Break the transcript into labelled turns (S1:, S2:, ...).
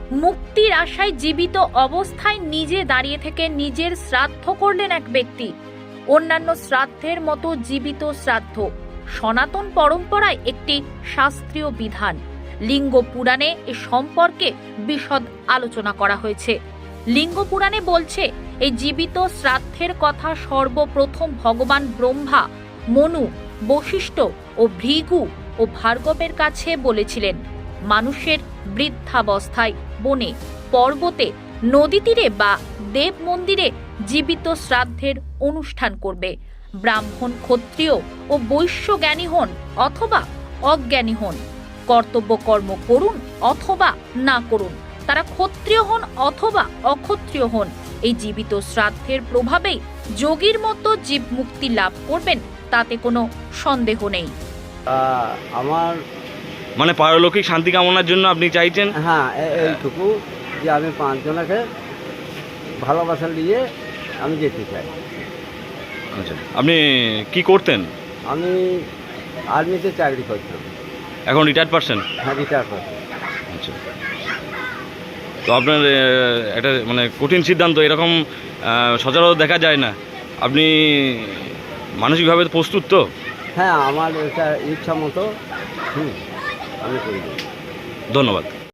S1: মুক্তির আশায় জীবিত অবস্থায় নিজে দাঁড়িয়ে থেকে নিজের শ্রাদ্ধ করলেন এক ব্যক্তি। অন্যান্য শ্রাদ্ধের মতো জীবিত শ্রাদ্ধ সনাতন পরম্পরায় একটি শাস্ত্রীয় বিধান। লিঙ্গ পুরাণে এ সম্পর্কে বিশদ আলোচনা করা হয়েছে। লিঙ্গ পুরাণে বলছে, এই জীবিত শ্রাদ্ধের কথা সর্বপ্রথম ভগবান ব্রহ্মা মনু, বশিষ্ঠ ও ভৃগু ও ভার্গবের কাছে বলেছিলেন। মানুষের বৃদ্ধাবস্থায় বনে, পর্বতে, নদী তীরে বা দেব মন্দিরে জীবিত শ্রাদ্ধের অনুষ্ঠান করবে। ব্রাহ্মণ, ক্ষত্রিয় ও বৈশ্য জ্ঞানী হন অথবা অজ্ঞানী হন, কর্তব্য কর্ম করুন অথবা না করুন, তারা ক্ষত্রিয় হন অথবা অক্ষত্রিয় হন, এই জীবিত শ্রাদ্ধের প্রভাবেই যোগীর মতো জীব মুক্তি লাভ করবেন, তাতে কোনো সন্দেহ নেই।
S2: আমার
S3: মানে পারলৌকিক শান্তি কামনার জন্য আপনি চাইছেন?
S2: হ্যাঁ, এইটুকু যে আমি 5 জনকে ভালোবাসা নিয়ে আমি যেতে চাই।
S3: আচ্ছা, আপনি কি করতেন?
S2: আমি আর্মিতে চাকরি করতাম।
S3: এখন রিটায়ার্ড পারসন?
S2: হ্যাঁ, রিটায়ার করতাম।
S3: আচ্ছা, তো আপনার একটা মানে কঠিন সিদ্ধান্ত, এরকম সচরাচর দেখা যায় না। আপনি মানসিকভাবে প্রস্তুত তো?
S2: হ্যাঁ, আমার এটা ইচ্ছা মতো আমি করি।
S3: ধন্যবাদ।